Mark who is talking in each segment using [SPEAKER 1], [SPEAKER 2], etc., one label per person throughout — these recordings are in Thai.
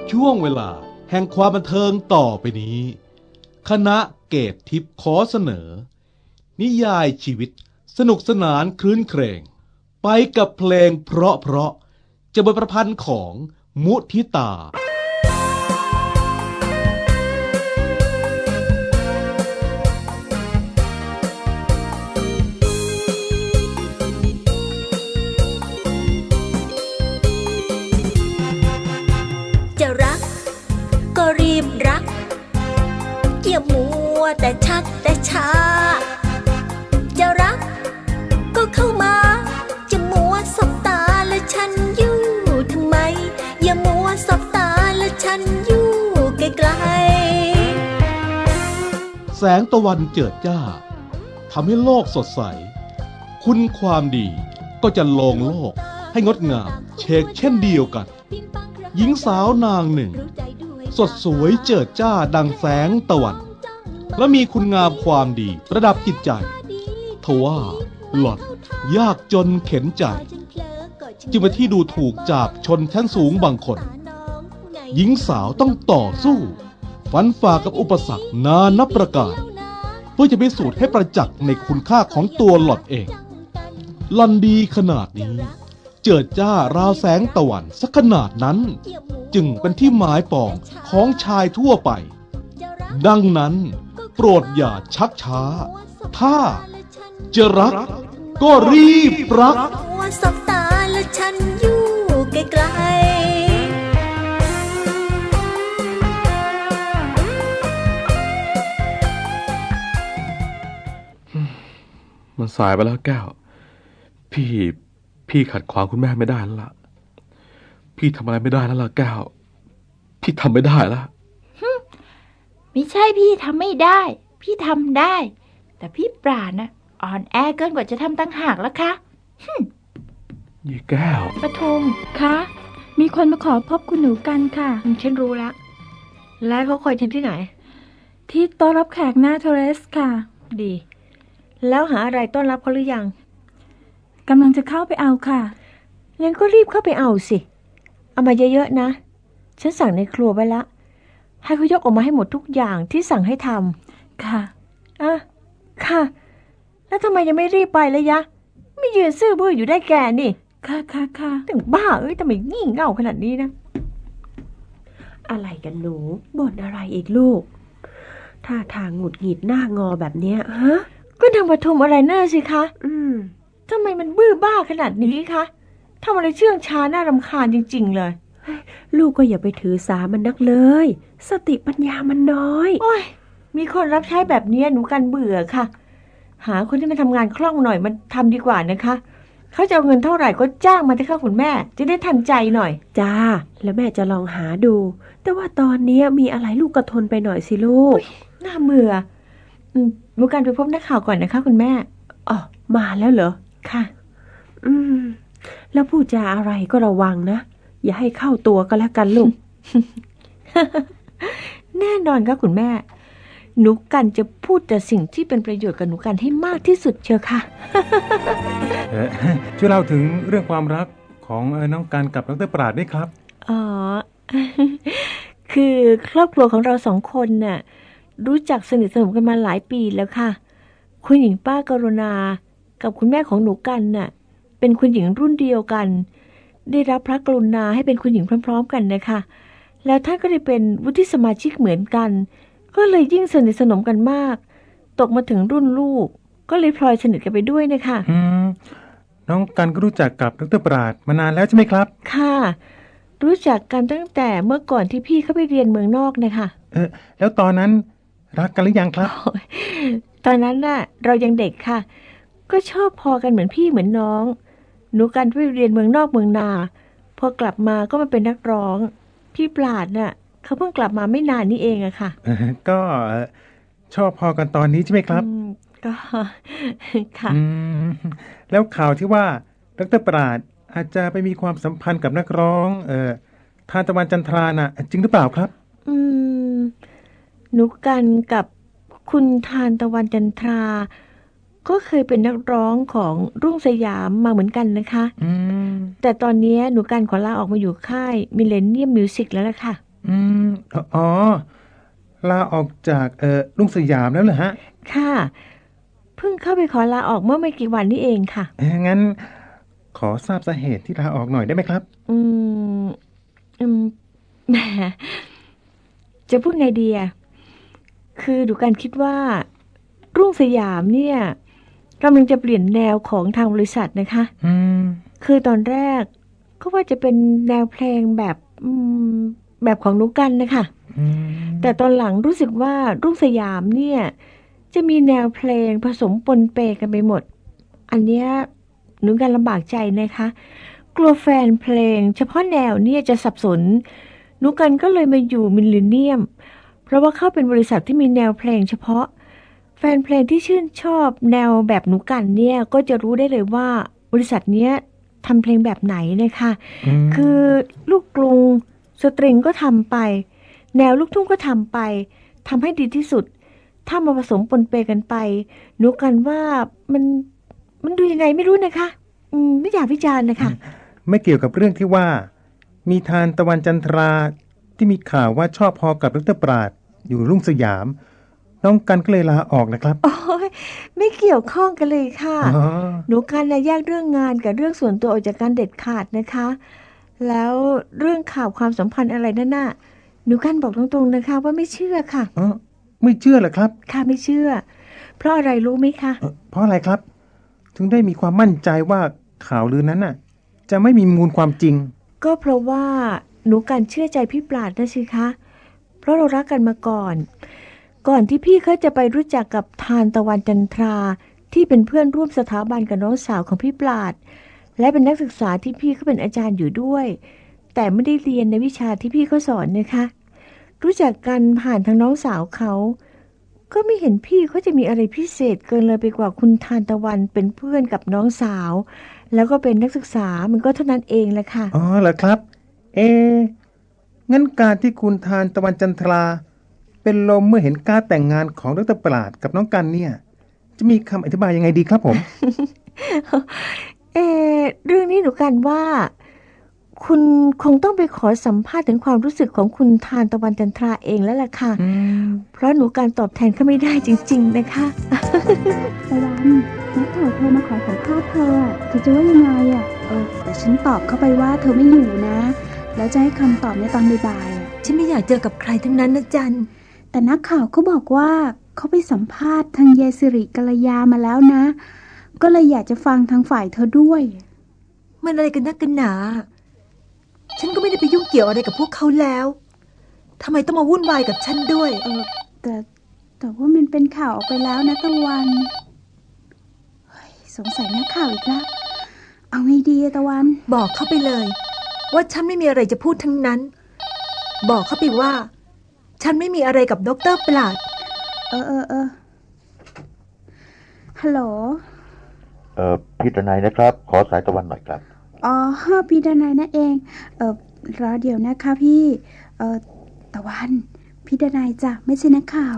[SPEAKER 1] ช่วงเวลาแห่งความบันเทิงต่อไปนี้ คณะเกตทิพย์ขอเสนอ นิยายชีวิตสนุกสนานครื้นเครงไปกับเพลงเพราะจะบทประพันธ์ของมุทิตา
[SPEAKER 2] จะรักก็รีบรักอย่ามัวแต่ชักแต่ช้าจะรักก็เข้ามาจะมัวสบตาและฉันอยู่ทำไมอย่ามัวสบตาและฉันอยู่ไกล
[SPEAKER 1] ๆแสงตะวันเจิดจ้าทำให้โลกสดใสคุณความดีก็จะลงโลกให้งดงามเชกเช่นเดียวกันหญิงสาวนางหนึ่งสดสวยเจิดจ้าดังแสงตะวันและมีคุณงามความดีประดับจิตใจทว่าหล่อนยากจนเข็นใจจึงเป็นที่ดูถูกจากชนชั้นสูงบางคนหญิงสาวต้องต่อสู้ฟันฝ่ากับอุปสรรคนานับประการเพื่อจะพิสูจน์ให้ประจักษ์ในคุณค่าของตัวหล่อนเองหล่อนดีขนาดนี้เจิดจ้าราวแสงตะวันสักขนาดนั้นจึงเป็นที่หมายปองของชายทั่วไปดังนั้นโปรดอย่าชักช้าถ้าจะรักก็รีบรัก
[SPEAKER 2] สบตาและฉันอยู่ไกล
[SPEAKER 3] มันสายไปแล้วแก้วพี่ขัดขวางคุณแม่ไม่ได้แล้วล่ะพี่ทำอะไรไม่ได้แล้วล่ะแก้วพี่ทำไม่ได้แล้ว
[SPEAKER 4] ไม่ใช่พี่ทำไม่ได้พี่ทำได้แต่พี่ปราณนะอ่อนแอเกินกว่าจะทำตั้งหากแล้วคะ
[SPEAKER 3] ยี่แก้ว
[SPEAKER 4] ปทุมคะมีคนมาขอพบคุณหนูกันค่ะ
[SPEAKER 5] ฉันรู้แล้วแล้วเขาคอยฉันที่ไหน
[SPEAKER 4] ที่โต๊ะรับแขกหน้าเทเรสค่ะ
[SPEAKER 5] ดีแล้วหาอะไรต้อนรับเขาหรือยัง
[SPEAKER 4] กำลังจะเข้าไปเอาค่ะ
[SPEAKER 5] งั้นก็รีบเข้าไปเอาสิเอามาเยอะๆนะฉันสั่งในครัวไว้ละให้เขายกออกมาให้หมดทุกอย่างที่สั่งให้ท
[SPEAKER 4] ำค่ะ
[SPEAKER 5] ค่ะแล้วทำไมยังไม่รีบไปเลยยะไม่ยืนซื่อบื้ออยู่ได้แกนี่
[SPEAKER 4] ค่ะ
[SPEAKER 5] ถึงบ้าทำไมงี่เง่าขนาดนี้นะอะไรกันหนูบ่นอะไรอีกลูกท่าทางหงุดหงิดหน้างอแบบเนี้ยฮะก็ทางปฐมอะไรหน้าสิคะทำไมมันบื้อบ้าขนาดนี้คะทำอะไรเชื่องช้าน่ารำคาญจริงๆเลยลูกก็อย่าไปถือสามันนักเลยสติปัญญามันน้อยโอ้ยมีคนรับใช้แบบนี้หนูกันเบื่อค่ะหาคนที่มาทำงานคล่องหน่อยมันทำดีกว่านะคะเขาจะเอาเงินเท่าไหร่ก็จ้างมาเถอะค่ะคุณแม่จะได้ทันใจหน่อยจ้าแล้วแม่จะลองหาดูแต่ว่าตอนนี้มีอะไรลูกก็ทนไปหน่อยสิลูกน่าเบื่อหนูกันไปพบนักข่าวก่อนนะคะคุณแม่อ๋อมาแล้วเหรอค่ะแล้วพูดจาอะไรก็ระวังนะอย่าให้เข้าตัวก็แล้วกันลูก แน่นอนค่ะคุณแม่หนูกันจะพูดแต่สิ่งที่เป็นประโยชน์กับหนูกันให้มากที่สุดเชียวค่ะ
[SPEAKER 6] ช่วยเล่าถึงเรื่องความรักของน้องกันกับดร.ปราดด้วยครับ
[SPEAKER 5] อ๋อ คือครอบครัวของเราสองคนน่ะรู้จักสนิทสนมกันมาหลายปีแล้วค่ะคุณหญิงป้ากรุณากับคุณแม่ของหนูกันน่ะเป็นคุณหญิงรุ่นเดียวกันได้รับพระกรุณาให้เป็นคุณหญิงพร้อมๆกันนะคะแล้วท่านก็ได้เป็นวุฒิสมาชิกเหมือนกันก็เลยยิ่งสนิทสนมกันมากตกมาถึงรุ่นลูกก็เลยพลอยสนิทกันไปด้วยนะคะ
[SPEAKER 6] น้องกันก็รู้จักกับดร.ปราดมานานแล้วใช่ไหมครับ
[SPEAKER 5] ค่ะรู้จักกันตั้งแต่เมื่อก่อนที่พี่เขาไปเรียนเมืองนอกนะคะ
[SPEAKER 6] แล้วตอนนั้นรักกันหรือยังครับ
[SPEAKER 5] ตอนนั้นน่ะเรายังเด็กค่ะก็ชอบพอกันเหมือนพี่เหมือนน้องหนูกันไปเรียนเมืองนอกเมืองนาพอกลับมาก็มาเป็นนักร้องพี่ปราดน่ะเขาเพิ่งกลับมาไม่นานนี้เองอะค่ะ
[SPEAKER 6] ก็ชอบพอกันตอนนี้ใช่ไหมครับ
[SPEAKER 5] ก็ค่ะ
[SPEAKER 6] แล้วข่าวที่ว่าดร.ปราดอาจจะไปมีความสัมพันธ์กับนักร้องทานตะวันจันทราน่ะจริงหรือเปล่าครับ
[SPEAKER 5] หนูกันกับคุณทานตะวันจันทราก็เคยเป็นนักร้องของรุ่งสยามมาเหมือนกันนะคะแต่ตอนนี้หนูกันขอลาออกมาอยู่ค่ายมิเลเนียมมิวสิกแล้วล่ะค่ะ
[SPEAKER 6] อ๋อ ลาออกจากรุ่งสยามแล้วเหรอฮะ
[SPEAKER 5] ค่ะ เพิ่งเข้าไปขอลาออกเมื่อไม่กี่วันนี้เองค่ะ
[SPEAKER 6] งั้นขอทราบสาเหตุที่ลาออกหน่อยได้ไหมครับ
[SPEAKER 5] อืม แหมจะพูดไงดีอะคือดูการคิดว่า รุ่งสยามเนี่ยกำลังจะเปลี่ยนแนวของทางบริษัทนะคะ คือตอนแรกก็ว่าจะเป็นแนวเพลงแบบของนุกกันนะคะ แต่ตอนหลังรู้สึกว่ารุ่งสยามเนี่ยจะมีแนวเพลงผสมปนเปกันไปหมด อันเนี้ยหนูกันลำบากใจนะคะ กลัวแฟนเพลงเฉพาะแนวเนี่ยจะสับสนหนูกันก็เลยมาอยู่มิลเลนเนียม เพราะว่าเข้าเป็นบริษัทที่มีแนวเพลงเฉพาะ แฟนเพลงที่ชื่นชอบแนวแบบหนูกันเนี่ยก็จะรู้ได้เลยว่าบริษัทเนี้ยทำเพลงแบบไหนนะคะคือลูกกรุงสตริงก็ทำไปแนวลูกทุ่งก็ทำไปทำให้ดีที่สุดถ้ามาผสมปนเปกันไปหนูกันว่ามันดูยังไงไม่รู้นะคะไม่อยากวิจารณ์นะคะ
[SPEAKER 6] ไม่เกี่ยวกับเรื่องที่ว่ามีทานตะวันจันทราที่มีข่าวว่าชอบพอกับดร.ปราดอยู่รุ่งสยามน้องกันก็เลยลาออกนะครับ
[SPEAKER 5] โอ้ยไม่เกี่ยวข้องกันเลยค่ะ
[SPEAKER 6] อ๋อ
[SPEAKER 5] หนูกันนะแยกเรื่องงานกับเรื่องส่วนตัวออกจากกันเด็ดขาดนะคะ แล้วเรื่องข่าวความสัมพันธ์อะไรนั่นน่ะหนูกันบอกตรงๆนะคะว่าไม่เชื่อค่ะ
[SPEAKER 6] ไม่เชื่อเหรอครับ
[SPEAKER 5] ค่ะไม่เชื่อ เพราะอะไรรู้ไหมคะ
[SPEAKER 6] เพราะอะไรครับ ถึงได้มีความมั่นใจว่าข่าวลือนั้นน่ะ จะไม่มีมูลความจริง
[SPEAKER 5] ก็เพราะว่าหนูกันเชื่อใจพี่ปราดนะสิคะเพราะเรารักกันมาก่อนที่พี่เขาจะไปรู้จักกับทานตะวันจันทราที่เป็นเพื่อนร่วมสถาบันกับน้องสาวของพี่ปราดและเป็นนักศึกษาที่พี่เขาเป็นอาจารย์อยู่ด้วยแต่ไม่ได้เรียนในวิชาที่พี่เขาสอนนะคะรู้จักกันผ่านทางน้องสาวเขาก็ไม่เห็นพี่เขาจะมีอะไรพิเศษเกินเลยไปกว่าคุณทานตะวันเป็นเพื่อนกับน้องสาวแล้วก็เป็นนักศึกษามันก็เท่านั้นเองแหละค่ะ
[SPEAKER 6] อ๋อเหรอครับ งั้นการที่คุณทานตะวันจันทราเป็นลมเมื่อเห็นการแต่งงานของดร.ปราดกับน้องกันเนี่ยจะมีคำอธิบายยังไงดีครับผม
[SPEAKER 5] เรื่องนี้หนูกันว่าคุณคงต้องไปขอสัมภาษณ์ถึงความรู้สึกของคุณทานตะวันจันทราเองแล้วล่ะค่ะเพราะหนูการตอบแทนเขาไม่ได้จริงๆนะคะ
[SPEAKER 7] ตะวันนักข่าวโทรมาขอสัมภาษณ์เธอจะว่ายังไงอ่ะแต่ฉันตอบเข้าไปว่าเธอไม่อยู่นะ แล้วจะให้คำตอบในตอนบ่ายๆ
[SPEAKER 2] ฉันไม่อยากเจอกับใครทั้งนั้นนะจัน
[SPEAKER 7] แต่นักข่าวก็บอกว่าเขาไปสัมภาษณ์ทางยายสิริกัลยามาแล้วนะ ก็เลยอยากจะฟังทางฝ่ายเธอด้วย
[SPEAKER 2] มันอะไรกันนักกันหนา ฉันก็ไม่ได้ไปยุ่งเกี่ยวอะไรกับพวกเขาแล้วทำไมต้องมาวุ่นวายกับฉันด้วย
[SPEAKER 7] แต่ว่ามันเป็นข่าวออกไปแล้วนะตะวันสงสัยนักข่าวอีกแล้วเอาไงดีตะวัน
[SPEAKER 2] บอกเขาไปเลยว่าฉันไม่มีอะไรจะพูดทั้งนั้นบอกเขาไปว่าฉันไม่มีอะไรกับดร.ปราด
[SPEAKER 7] ฮัลโหล
[SPEAKER 8] พี่ดนัยนะครับขอสายตะวันหน่อยครับ
[SPEAKER 7] อ๋อพี่ดนัยนั่นเองรอเดี๋ยวนะคะพี่ตะวันพี่ดนัยจ้ะไม่ใช่นักข่าว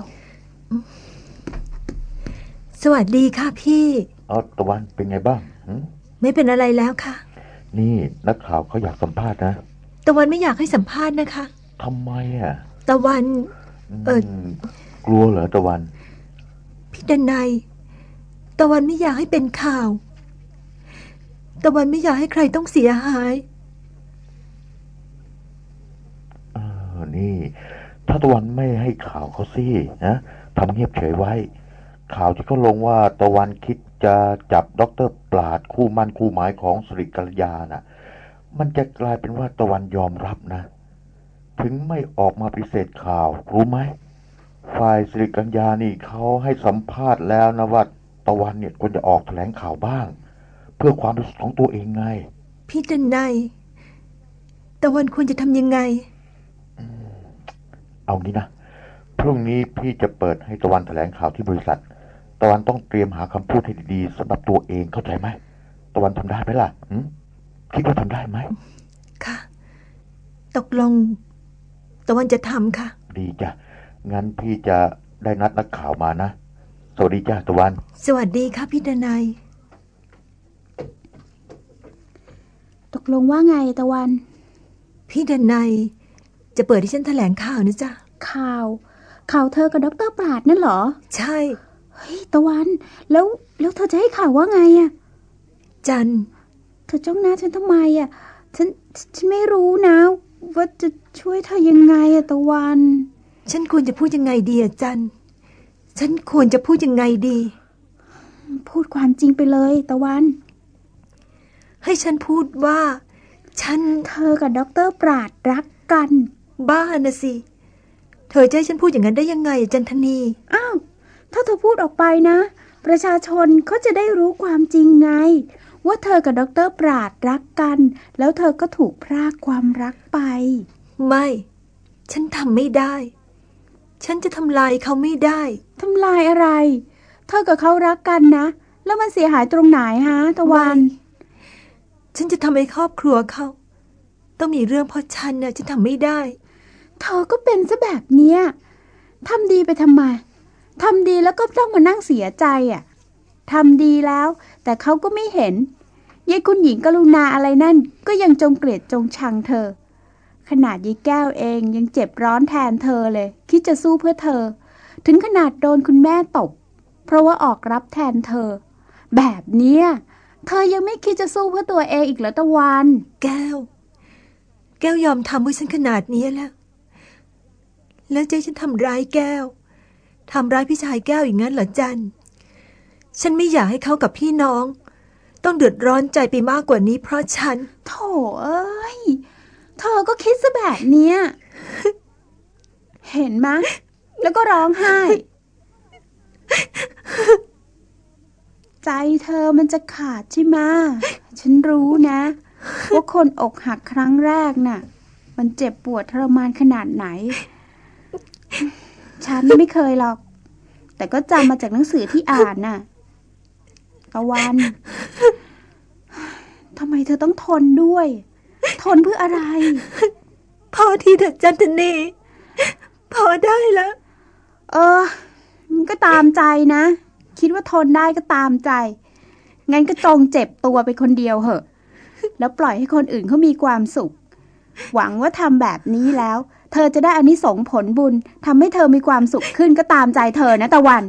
[SPEAKER 2] สวัสดีค่ะพี่
[SPEAKER 8] ตะวันเป็นไงบ้าง
[SPEAKER 2] ไม่เป็นอะไรแล้วค่ะ
[SPEAKER 8] นี่นักข่าวเขาอยากสัมภาษณ์นะ
[SPEAKER 2] ตะวันไม่อยากให้สัมภาษณ์นะคะ
[SPEAKER 8] ทำไมอ่ะ
[SPEAKER 2] ตะวัน
[SPEAKER 8] กลัวเหรอตะวัน
[SPEAKER 2] พี่ดนัยตะวันไม่อยากให้เป็นข่าวตะวันไม่อยากให้ใครต้องเสียหาย
[SPEAKER 8] นี่ถ้าตะวันไม่ให้ข่าวเขาสินะทำเงียบเฉยไว้ข่าวที่เขาลงว่าตะวันคิดจะจับดร.ปราดคู่มั่นคู่หมายของสิริกัลยาน่ะมันจะกลายเป็นว่าตะวันยอมรับนะถึงไม่ออกมาปฏิเสธข่าวรู้ไหมฝ่ายสิริกัญญานี่เขาให้สัมภาษณ์แล้วนะว่าตะวันเนี่ยควรจะออกแถลงข่าวบ้างเพื่อความรู้สึกของตัวเองไง
[SPEAKER 2] พี่ดนัยตะวันควรจะทำยังไง
[SPEAKER 8] เอางี้นะพรุ่งนี้พี่จะเปิดให้ตะวันแถลงข่าวที่บริษัทตะวันต้องเตรียมหาคำพูดให้ดีๆสำหรับตัวเองเข้าใจไหมตะวันทำได้ไหมล่ะคิดว่าทำได้ไหม
[SPEAKER 2] ค่ะตกลงตะวันจะทำค่ะ
[SPEAKER 8] ดีจ้ะงั้นพี่จะได้นัดนักข่าวมานะสวัสดีจ้ะตะวัน
[SPEAKER 2] สวัสดีค่ะพี่ดนัย
[SPEAKER 7] ตกลงว่าไงตะวัน
[SPEAKER 2] พี่ดนัยจะเปิดให้ฉันแถลงข่าวนะจ๊ะ
[SPEAKER 7] ข่าวเธอกับดร.ปราดนั่นเหรอ
[SPEAKER 2] ใช่
[SPEAKER 7] เฮ้ยตะวันแล้วเธอจะให้ข่าวว่าไงอะ
[SPEAKER 2] จัน
[SPEAKER 7] เธอจ้องหน้าฉันทำไมอะฉันไม่รู้นะว่าจะช่วยเธอยังไงอะตะวัน
[SPEAKER 2] ฉันควรจะพูดยังไงดีอะจัน ฉันควรจะพูดยังไงดี
[SPEAKER 7] พูดความจริงไปเลยตะวัน
[SPEAKER 2] ให้ฉันพูดว่า
[SPEAKER 7] เธอกับดร.ปราดรักกัน
[SPEAKER 2] บ้านะสิ เธอจะให้ฉันพูดอย่างนั้นได้ยังไงจันทนี
[SPEAKER 7] อ้าวถ้าเธอพูดออกไปนะประชาชนเขาจะได้รู้ความจริงไงว่าเธอกับดร.ปราดรักกันแล้วเธอก็ถูกพรากความรักไป
[SPEAKER 2] ไม่ ฉันทำไม่ได้ ฉันจะทำลายเขาไม่ได้
[SPEAKER 7] ทำลายอะไร เธอกับเขารักกันนะแล้วมันเสียหายตรงไหนฮะตะวัน
[SPEAKER 2] ฉันจะทำให้ครอบครัวเขาต้องมีเรื่องเพราะฉันน่ะฉันทำไม่ได้
[SPEAKER 7] เธอก็เป็นซะแบบเนี้ยทำดีไปทำไมทำดีแล้วก็ต้องมานั่งเสียใจอ่ะทำดีแล้วแต่เขาก็ไม่เห็นยายคุณหญิงกรุณาอะไรนั่นก็ยังจงเกลียดจงชังเธอขนาดยายแก้วเองยังเจ็บร้อนแทนเธอเลยคิดจะสู้เพื่อเธอถึงขนาดโดนคุณแม่ตบเพราะว่าออกรับแทนเธอแบบเนี้ยเธอยังไม่คิดจะสู้เพื่อตัวเองอีกเหรอตะวัน
[SPEAKER 2] แก้วยอมทำเพื่อฉันขนาดนี้แล้วจะให้ฉันทำร้ายแก้วทำร้ายพี่ชายแก้วอย่างนั้นเหรอจัน ฉันไม่อยากให้เขากับพี่น้องต้องเดือดร้อนใจไปมากกว่านี้เพราะฉัน
[SPEAKER 7] โถเอ้ยเธอก็คิดซะแบบเนี้ย เห็นไหมแล้วก็ร้องไห้ ใจเธอมันจะขาดใช่ไหมฉันรู้นะว่าคนอกหักครั้งแรกน่ะมันเจ็บปวดทรมานขนาดไหน ฉันไม่เคยหรอกแต่ก็จำมาจากหนังสือที่อ่านน่ะตะวันทำไมเธอต้องทนด้วยทนเพื่ออะไร
[SPEAKER 2] พอทีเถอะจันทนีพอได้แล้ว
[SPEAKER 7] มันก็ตามใจนะคิดว่าทนได้ก็ตามใจงั้นก็จงเจ็บตัวไปคนเดียวเหอะแล้วปล่อยให้คนอื่นเขามีความสุขหวังว่าทำแบบนี้แล้วเธอจะได้อานิสงส์ผลบุญทำให้เธอมีความสุขขึ้นก็ตามใจเธอนะตะวัน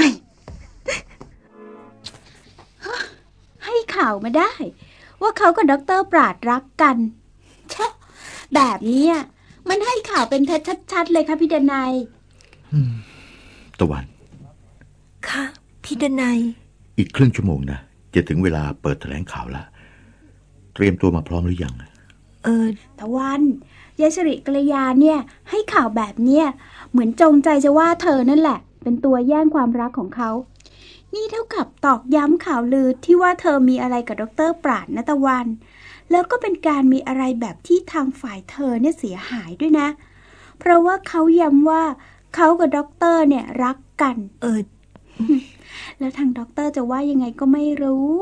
[SPEAKER 7] ให้ข่าวมาได้ว่าเขากับดร.ปราดรักกันชะแบบนี้มันให้ข่าวเป็นเท็จชัดๆเลยค่ะพี่ดนัย
[SPEAKER 8] ตะวัน
[SPEAKER 2] ค่ะพี่ดนัย
[SPEAKER 8] อีกครึ่งชั่วโมงนะจะถึงเวลาเปิดแถลงข่าวแล้วเตรียมตัวมาพร้อมหรือยัง
[SPEAKER 7] ตะวันยายสิริกัลยาเนี่ยให้ข่าวแบบเนี้ยเหมือนจงใจจะว่าเธอนั่นแหละเป็นตัวแย่งความรักของเขานี่เท่ากับตอกย้ำข่าวลือที่ว่าเธอมีอะไรกับดร.ปราดนะตะวันแล้วก็เป็นการมีอะไรแบบที่ทางฝ่ายเธอเนี่ยเสียหายด้วยนะเพราะว่าเขาย้ำว่าเขากับดร.เนี่ยรักกันแล้วทางดร.จะว่ายังไงก็ไม่รู้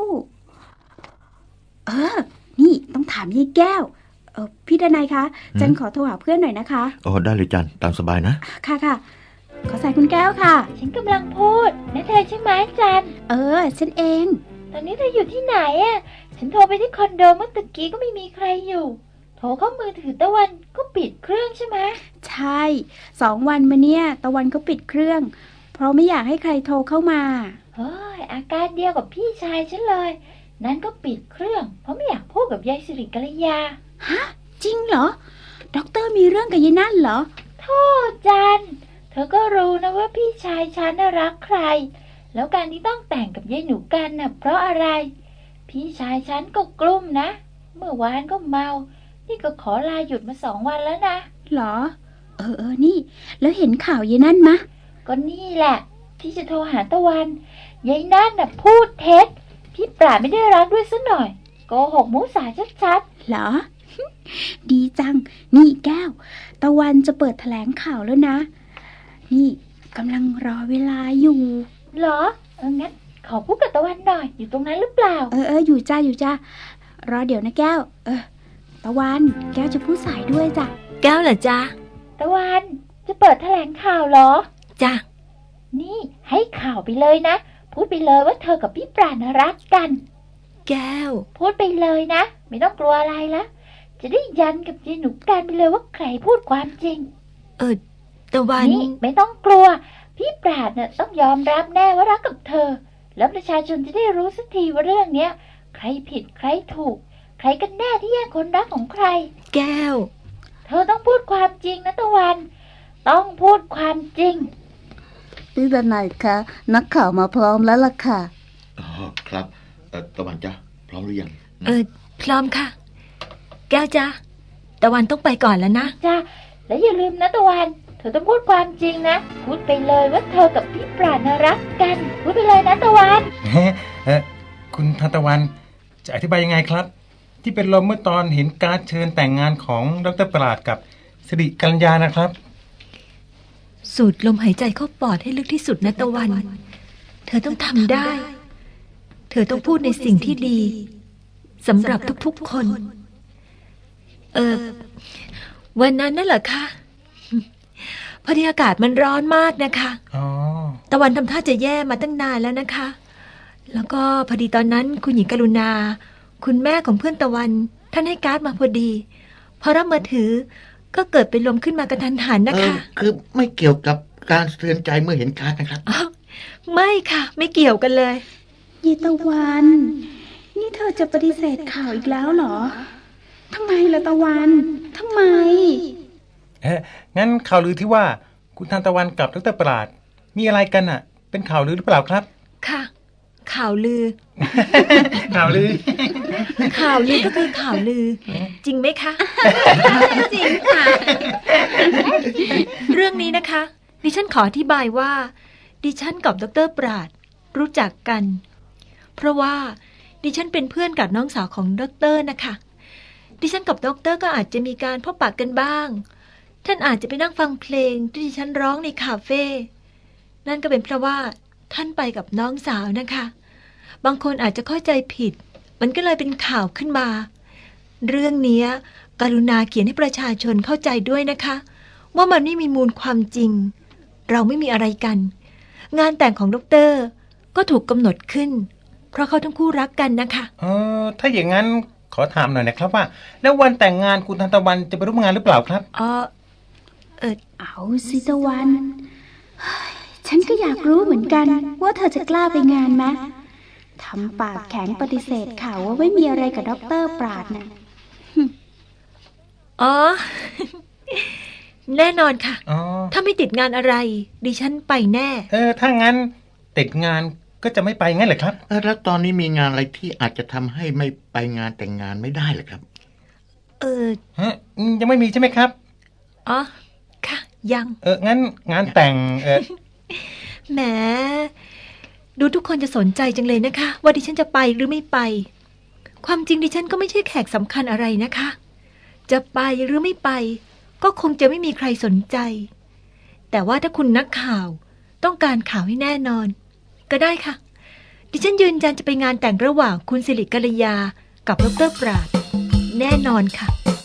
[SPEAKER 7] นี่ต้องถามยายแก้วพี่ดนัยคะจันขอโทรหาเพื่อนหน่อยนะคะ
[SPEAKER 8] ได้เลยจันตามสบายนะ
[SPEAKER 7] ค่ะขอสายคุณแก้วค่ะ
[SPEAKER 4] ฉันกำลังพูดนั่นเธอใช่ไหมจัน
[SPEAKER 7] ฉันเอง
[SPEAKER 4] ตอนนี้เธออยู่ที่ไหนฉันโทรไปที่คอนโดเมื่อตะกี้ก็ไม่มีใครอยู่โทรเข้ามือถือตะวันก็ปิดเครื่องใช่ไหม
[SPEAKER 7] ใช่2 วันมาเนี่ยตะวันก็ปิดเครื่องเพราะไม่อยากให้ใครโทรเข้ามา
[SPEAKER 4] อาการเดียวกับพี่ชายฉันเลยนั้นก็ปิดเครื่องเพราะไม่อยากพูดกับยายสิริกัลยา
[SPEAKER 7] ฮะจริงเหรอด็อกเตอร์มีเรื่องกับยายนั่นเหรอ
[SPEAKER 4] โธ่จันเธอก็รู้นะว่าพี่ชายฉันน่ะรักใครแล้วการที่ต้องแต่งกับยายหนูกันน่ะเพราะอะไรพี่ชายฉันก็กลุ้มนะเมื่อวานก็เมานี่ก็ขอลาหยุดมา2 วันแล้วนะ
[SPEAKER 7] เหรอนี่แล้วเห็นข่าวยายนั่นมะ
[SPEAKER 4] ก็นี่แหละที่จะโทรหาตะวันยายนั่นน่ะพูดเท็จพี่ปราดไม่ได้รักด้วยซะหน่อยโกหกมุสาชัด
[SPEAKER 7] ๆเหรอ ดีจังนี่แก้วตะวันจะเปิดแถลงข่าวแล้วนะนี่กำลังรอเวลาอยู่
[SPEAKER 4] เหรองั้นขอพูดกับตะวันหน่อยอยู่ตรงนั้นหรือเปล่า
[SPEAKER 7] อยู่จ้ารอเดี๋ยวนะแก้วตะวันแก้วจะพูดสายด้วยจ้ะ
[SPEAKER 2] แก้วเหรอจ๊ะ
[SPEAKER 4] ตะวันจะเปิดแถลงข่าวเหรอ
[SPEAKER 2] จ้ะ
[SPEAKER 4] นี่ให้ข่าวไปเลยนะพูดไปเลยว่าเธอกับพี่ปราณรักกัน
[SPEAKER 2] แก้ว
[SPEAKER 4] พูดไปเลยนะไม่ต้องกลัวอะไรละจะได้ยันกับยายหนูกันไปเลยว่าใครพูดความจริง
[SPEAKER 2] ตะวัน
[SPEAKER 4] นี่ไม่ต้องกลัว พี่ปราดเนี่ยต้องยอมรับแน่ว่ารักกับเธอ แล้วประชาชนจะได้รู้สักทีว่าเรื่องเนี้ยใครผิดใครถูก ใครกันแน่ที่แย่งคนรักของใคร
[SPEAKER 2] แก้ว
[SPEAKER 4] เธอต้องพูดความจริงนะตะวัน ต้องพูดความจริง
[SPEAKER 7] พี่ดนัยคะนักข่าวมาพร้อมแล้วล่ะค่ะ
[SPEAKER 9] อ๋อครับตะวันจ้ะพร้อมหรือยัง
[SPEAKER 2] พร้อมค่ะ แก้วจ้ะตะวันต้องไปก่อนแล้วนะ
[SPEAKER 4] จ้าแล้วอย่าลืมนะตะวัน เธอต้องพูดความจริงนะ พูดไปเลยว่าเธอกับพี่ปราณน่ะรักกัน พูดไปเลยนะตะวัน
[SPEAKER 6] คุณทานตะวันจะอธิบายยังไงครับ ที่เป็นลมเมื่อตอนเห็นการ์ดเชิญแต่งงานของดร.ปราดกับสิริกัญญานะครับ
[SPEAKER 2] สูดลมหายใจเข้าปอดให้ลึกที่สุดนะตะวัน เธอต้องทำได้ เธอต้องพูดในสิ่งที่ดีสำหรับทุกๆคน วันนั้นนั่นเหรอคะพอดีอากาศมันร้อนมากนะคะ
[SPEAKER 6] อ๋อ
[SPEAKER 2] ตะวันทำท่าจะแย่มาตั้งนานแล้วนะคะ แล้วก็พอดีตอนนั้นคุณหญิงกรุณา คุณแม่ของเพื่อนตะวันท่านให้การ์ดมาพอดี พอรับมาถือก็เกิดเป็นลมขึ้นมากระทันหันนะคะ
[SPEAKER 9] คือไม่เกี่ยวกับการสะเทือนใจเมื่อเห็นการ์ดนะครับ
[SPEAKER 2] อ้าวไม่ค่ะ ไม่เกี่ยวกันเลย
[SPEAKER 7] ยีตะวัน นี่เธอจะปฏิเสธข่าวอีกแล้วเหรอ ทำไมล่ะตะวัน ทำไม
[SPEAKER 6] งั้นข่าวลือที่ว่าคุณทานตะวันกับดร.ปราดมีอะไรกันอ่ะ เป็นข่าวลือหรือเปล่าครับ
[SPEAKER 2] ค่ะ ข่าวลือ
[SPEAKER 6] ข่าวลือ
[SPEAKER 2] ข่าวลือก็คือข่าวลือ จริงไหมคะ จริงค่ะ เรื่องนี้นะคะ ดิฉันขออธิบายว่า ดิฉันกับดร.ปราดรู้จักกัน เพราะว่าดิฉันเป็นเพื่อนกับน้องสาวของดร.นะคะ ดิฉันกับดร.ก็อาจจะมีการพบปะกันบ้าง ท่านอาจจะไปนั่งฟังเพลงที่ดิฉันร้องในคาเฟ่ นั่นก็เป็นเพราะว่าท่านไปกับน้องสาวนะคะ บางคนอาจจะเข้าใจผิด มันก็เลยเป็นข่าวขึ้นมา เรื่องนี้กรุณาเขียนให้ประชาชนเข้าใจด้วยนะคะ ว่ามันไม่มีมูลความจริง เราไม่มีอะไรกัน งานแต่งของดร.ก็ถูกกำหนดขึ้น เพราะเขาทั้งคู่รักกันนะคะ
[SPEAKER 6] ถ้าอย่างนั้นขอถามหน่อยนะครับว่า แล้ววันแต่งงานคุณทานตะวันจะไปร่วมงานหรือเปล่าครับ
[SPEAKER 7] เอาสิตะวันเฮ้ยฉันก็อยากรู้เหมือนกัน ว่าเธอจะกล้าไปงานไหมทำปากแข็งปฏิเสธข่าวว่าไม่มีอะไรกับดร.ปราดนะ
[SPEAKER 2] อ๋อ แน่นอนค่ะ
[SPEAKER 6] อ๋อ
[SPEAKER 2] ถ้าไม่ติดงานอะไร ดิฉันไปแน่
[SPEAKER 6] ถ้างั้นติดงานก็จะไม่ไปงั้นเหรอครับ
[SPEAKER 9] แล้วตอนนี้มีงานอะไรที่อาจจะทำให้ไม่ไปงานแต่งงานไม่ได้เหรอครับ
[SPEAKER 6] ยังไม่มีใช่ไหมครับ
[SPEAKER 2] อ๋อ ค่ะ ยัง
[SPEAKER 6] งั้นงานแต่ง
[SPEAKER 2] แหม ดูทุกคนจะสนใจจังเลยนะคะ ว่าดิฉันจะไปหรือไม่ไป ความจริงดิฉันก็ไม่ใช่แขกสำคัญอะไรนะคะ จะไปหรือไม่ไป ก็คงจะไม่มีใครสนใจ แต่ว่าถ้าคุณนักข่าวต้องการข่าวให้แน่นอน ก็ได้ค่ะ ดิฉันยืนยันจะไปงานแต่งระหว่างคุณสิริกัลยากับดร.ปราด แน่นอนค่ะ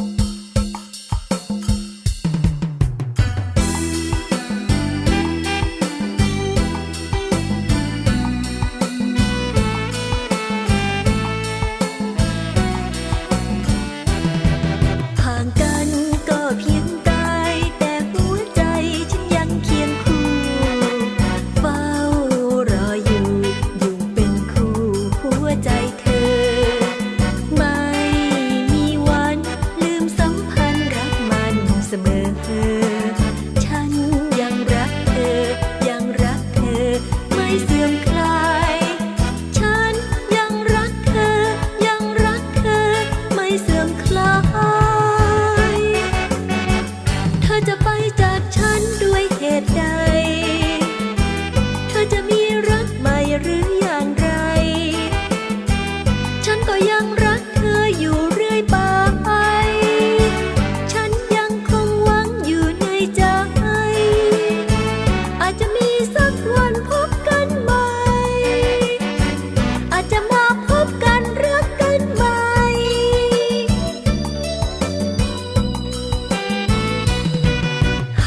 [SPEAKER 2] ห่างกันก็เพียงกายแต่หัวใจฉันยังเคียงคู่เฝ้ารออยู่เป็นคู่หัวใจเธอ ไม่มีวันลืมสัมพันธ์รักมันเสมอฉันยังรักเธอยังรักเธอไม่เสื่อมคลายฉันยังรักเธอยังรักเธอไม่เสื่อมคลาย เธอจะไปจากฉันด้วยเหตุใด เธอจะมีรักใหม่หรืออย่างไร ฉันก็ยังรักเธออยู่เรื่อยไป ฉันยังคงหวังอยู่ในใจ อาจจะมีสักวันพบกันใหม่ อาจจะมาพบกันรักกันใหม่ ห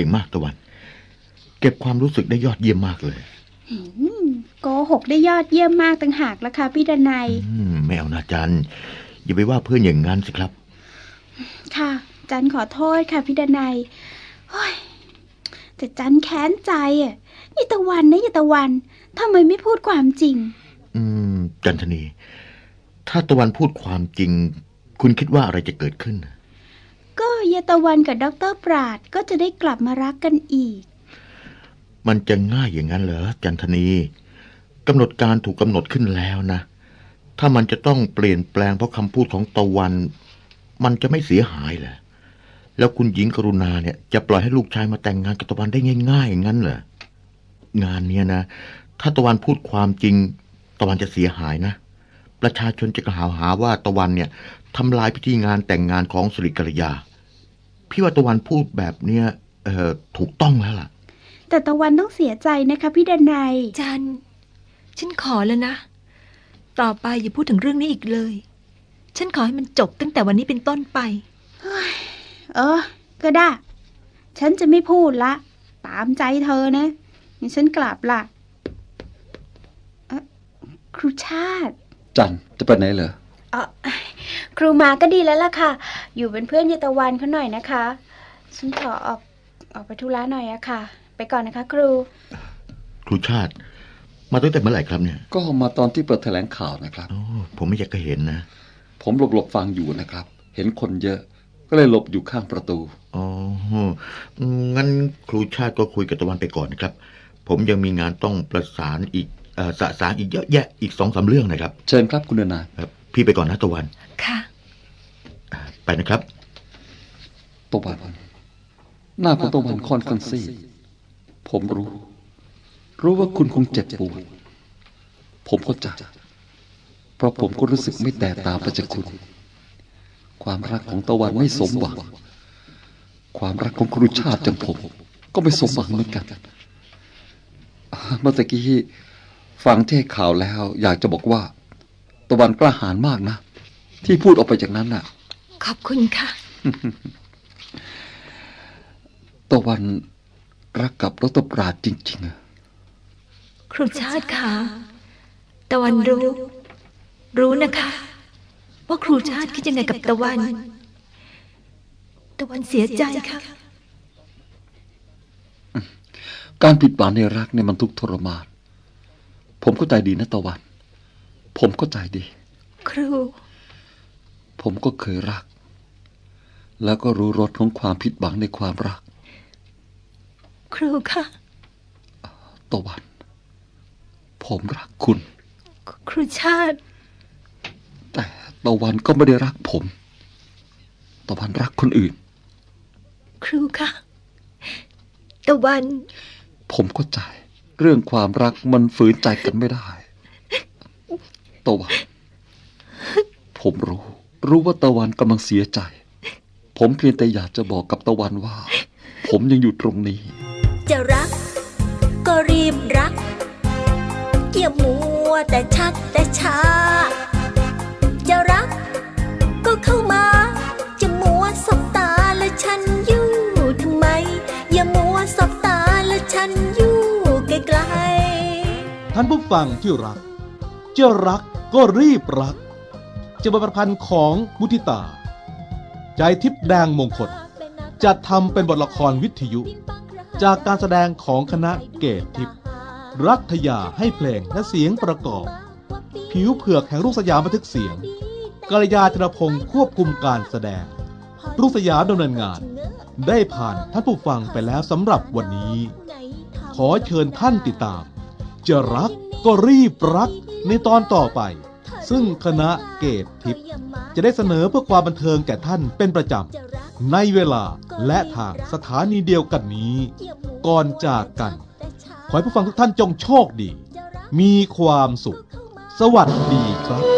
[SPEAKER 9] ก่งมากตะวัน เก็บความรู้สึกได้ยอดเยี่ยมมากเลย
[SPEAKER 7] โกหกได้ยอดเยี่ยมมากต่างหากละค่ะพี่ดนัย
[SPEAKER 9] ไม่เอานะจันอย่าไปว่าเพื่อนอย่างนั้นสิครับ
[SPEAKER 7] ค่ะ จันขอโทษค่ะพี่ดนัยโอ้ยแต่จันแค้นใจอ่ะยายตะวันนะยายตะวันทำไมไม่พูดความจริง
[SPEAKER 9] จันทนี ถ้าตะวันพูดความจริง คุณคิดว่าอะไรจะเกิดขึ้น
[SPEAKER 7] ก็ยายตะวันกับดร.ปราดก็จะได้กลับมารักกันอีก
[SPEAKER 9] มันจะง่ายอย่างนั้นเหรอจันทนีกำหนดการถูกกำหนดขึ้นแล้วนะถ้ามันจะต้องเปลี่ยนแปลงเพราะคำพูดของตะวัน มันจะไม่เสียหายเหรอแล้วคุณหญิงกรุณาเนี่ยจะปล่อยให้ลูกชายมาแต่งงานกับตะวันได้ง่ายๆอย่างนั้นเหรองานเนี้ยนะถ้าตะวันพูดความจริงตะวันจะเสียหายนะประชาชนจะกล่าวหาว่าตะวันเนี่ยทำลายพิธีงานแต่งงานของสิริกัลยาพี่ว่าตะวันพูดแบบเนี้ยถูกต้องแล้วล่ะ
[SPEAKER 7] แต่ตะวันต้องเสียใจนะคะพี่ดนัย
[SPEAKER 10] จันฉันขอแล้วนะต่อไปอย่าพูดถึงเรื่องนี้อีกเลยฉันขอให้มันจบตั้งแต่วันนี้เป็นต้นไป
[SPEAKER 7] ก็ได้ฉันจะไม่พูดละตามใจเธอนะงั้นฉันกลับละครูชาติ
[SPEAKER 11] จันจะไปไหนเหรอ
[SPEAKER 7] ครูมาก็ดีแล้วล่ะค่ะอยู่เป็นเพื่อนยายตะวันเขาหน่อยนะคะฉันขอออกไปธุระหน่อยอะค่ะไปก่อนนะคะครู
[SPEAKER 9] ชาติมาตั้งแต่เมื่อไหร่ครับเนี่ย
[SPEAKER 11] ก็มาตอนที่เปิดแถลงข่าวนะครับ
[SPEAKER 9] ผมไม่อยากจะเห็นนะ
[SPEAKER 11] ผมหลบฟังอยู่นะครับเห็นคนเยอะก็เลยหลบอยู่ข้างประตู
[SPEAKER 9] งั้นครูชาติก็คุยกับตะวันไปก่อนนะครับผมยังมีงานต้องประสานอีกสะสางอีกเยอะแยะอีก 2-3 เรื่องนะครับ
[SPEAKER 11] เชิญครับคุณนาย
[SPEAKER 9] ครับพี่ไปก่อนนะตะวัน
[SPEAKER 10] ค่ะ
[SPEAKER 9] ไปนะครับ
[SPEAKER 11] ตะวันหน้าของตะวันค่อนข้างซีดผมรู้ว่าคุณคงเจ็บปวดผมเข้าใจเพราะผมก็รู้สึกไม่แตกต่างไปจากคุณความรักของตะวันไม่สมหวังความรักของครูชาติจังผมก็ไม่สมหวังเหมือนกันเมื่อตะกี้ฟังเทศข่าวแล้วอยากจะบอกว่าตะวันกล้าหาญมากนะที่พูดออกไปจากนั้นน่ะ
[SPEAKER 10] ขอบคุณค่ะ
[SPEAKER 11] ตะวันรักกับดร.ปราดจริงๆ
[SPEAKER 10] ครูชาติค่ะตะวันรู้นะคะว่าครูชาติคิดยังไงกับตะวันเสียใจค่ะ
[SPEAKER 11] การผิดหวังในรักเนี่ยมันทุกข์ทรมานผมเข้าใจดีนะตะวันผมเข้าใจดี
[SPEAKER 10] ครู
[SPEAKER 11] ผมก็เคยรักแล้วก็รู้รสของความผิดหวังในความรัก
[SPEAKER 10] ครูค่ะ
[SPEAKER 11] ตะวันผมรักคุณ
[SPEAKER 10] ครูชาติ
[SPEAKER 11] แต่ตะวันก็ไม่ได้รักผมตะวันรักคนอื่น
[SPEAKER 10] ครูค่ะตะวัน
[SPEAKER 11] ผมเข้าใจเรื่องความรักมันฝืนใจกันไม่ได้ตะวันผมรู้ว่าตะวันกำลังเสียใจผมเพียงแต่อยากจะบอกกับตะวันว่าผมยังอยู่ตรงนี้
[SPEAKER 2] จะรักก็รีบรักอย่ามัวแต่ชักแต่ช้าจะรักก็เข้ามาจะมัวสบตาและฉันอยู่ทำไมอย่ามัวสบตาและฉันอยู่ไกลๆ
[SPEAKER 1] ท่านผู้ฟังที่รักจะรักก็รีบรักจะบทประพันธ์ของมุทิตาใจทิพย์แดงมงคลจัดทำเป็นบทละครวิทยุจากการแสดงของคณะเกตทิพย์รัฐยาให้เพลงและเสียงประกอบผิวเผือกแห่งรุ่งสยามบันทึกเสียงกัลยาธนพงศ์ควบคุมการแสดงรุ่งสยามดำเนินงานได้ผ่านท่านผู้ฟังไปแล้วสำหรับวันนี้ขอเชิญท่านติดตามจะรักก็รีบรักในตอนต่อไปซึ่งคณะเกตทิพย์จะได้เสนอเพื่อความบันเทิงแก่ท่านเป็นประจำในเวลาและทางสถานีเดียวกันนี้ก่อนจากกันขอให้ผู้ฟังทุกท่านจงโชคดีมีความสุขสวัสดีครับ